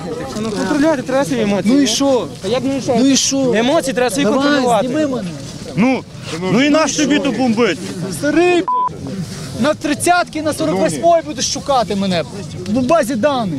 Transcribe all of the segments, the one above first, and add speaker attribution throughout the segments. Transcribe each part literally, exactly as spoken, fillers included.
Speaker 1: Ну, контролювати треба свої емоції.
Speaker 2: Ну і що?
Speaker 1: А як ну і що?
Speaker 2: Ну і що?
Speaker 1: Емоції треба свої
Speaker 2: Давай,
Speaker 1: контролювати.
Speaker 2: зніми мене.
Speaker 3: Ну, ну і наш тобі то бомбить.
Speaker 2: Старий, на тридцятки, на сорок восьмій будеш шукати мене в базі даних.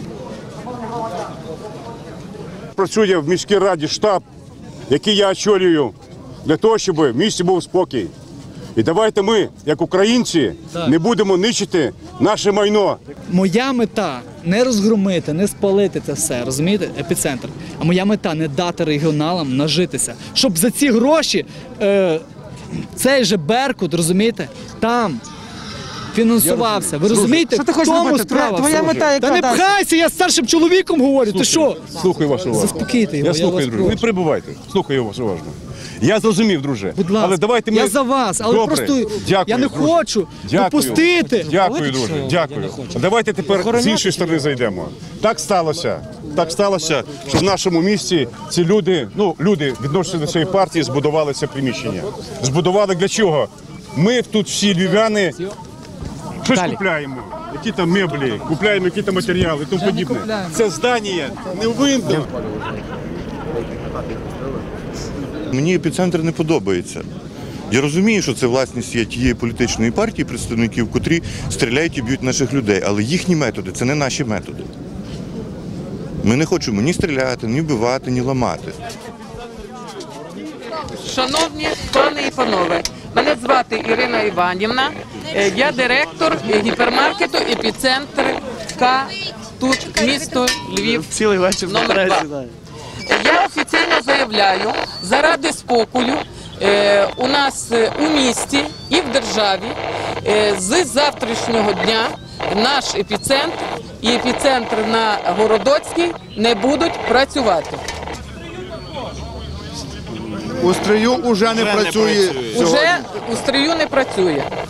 Speaker 4: Працює в міській раді штаб, який я очолюю, для того, щоб в місті був спокій. І давайте ми, як українці,
Speaker 2: Так.
Speaker 4: не будемо нищити наше майно.
Speaker 2: Моя мета не розгромити, не спалити це все, розумієте, епіцентр. А моя мета не дати регіоналам нажитися, щоб за ці гроші е, цей же Беркут, розумієте, там фінансувався. Ви розумієте,
Speaker 1: Що ти
Speaker 2: в
Speaker 1: хочеш
Speaker 2: тому
Speaker 1: робити?
Speaker 2: справа.
Speaker 1: Твоя
Speaker 2: всього.
Speaker 1: мета яка
Speaker 2: Та не
Speaker 1: далі?
Speaker 2: пхайся, я з старшим чоловіком говорю, ти що?
Speaker 3: Слухай вашу увагу.
Speaker 2: Заспокійте його,
Speaker 3: Я
Speaker 2: я
Speaker 3: слухаю,
Speaker 2: вас
Speaker 3: друже. Не
Speaker 2: прошу.
Speaker 3: перебувайте. Слухаю вас уважно. Я зрозумів, друже.
Speaker 2: Будь ласка,
Speaker 3: Але давайте ми...
Speaker 2: я за вас, але
Speaker 3: Добре.
Speaker 2: просто
Speaker 3: Дякую,
Speaker 2: я не
Speaker 3: друже.
Speaker 2: хочу
Speaker 3: Дякую.
Speaker 2: допустити.
Speaker 3: Дякую, друже. Дякую. Давайте тепер з іншої сторони зайдемо. Так сталося. Так сталося, що в нашому місті ці люди, ну, люди відносяться до цієї партії, збудували це приміщення. Збудували для чого? Ми тут всі львів'яни щось купляємо. Які там меблі, купляємо які там матеріали і тому подібне. Це здання не винно.
Speaker 5: Мені епіцентр не подобається. Я розумію, що це власність є тієї політичної партії, представників, котрі стріляють і б'ють наших людей, але їхні методи – це не наші методи. Ми не хочемо ні стріляти, ні вбивати, ні ламати.
Speaker 6: Шановні пани і панове, мене звати Ірина Іванівна, е, я директор гіпермаркету «Епіцентр К», тут місто Львів,
Speaker 1: Цілий вечір
Speaker 6: номер два. Я офіційно заявляю, заради спокою е, у нас е, у місті і в державі е, з завтрашнього дня наш епіцентр і епіцентр на Городоцькій не будуть працювати.
Speaker 7: У Стрию вже не працює.
Speaker 6: Уже у Стрию не працює.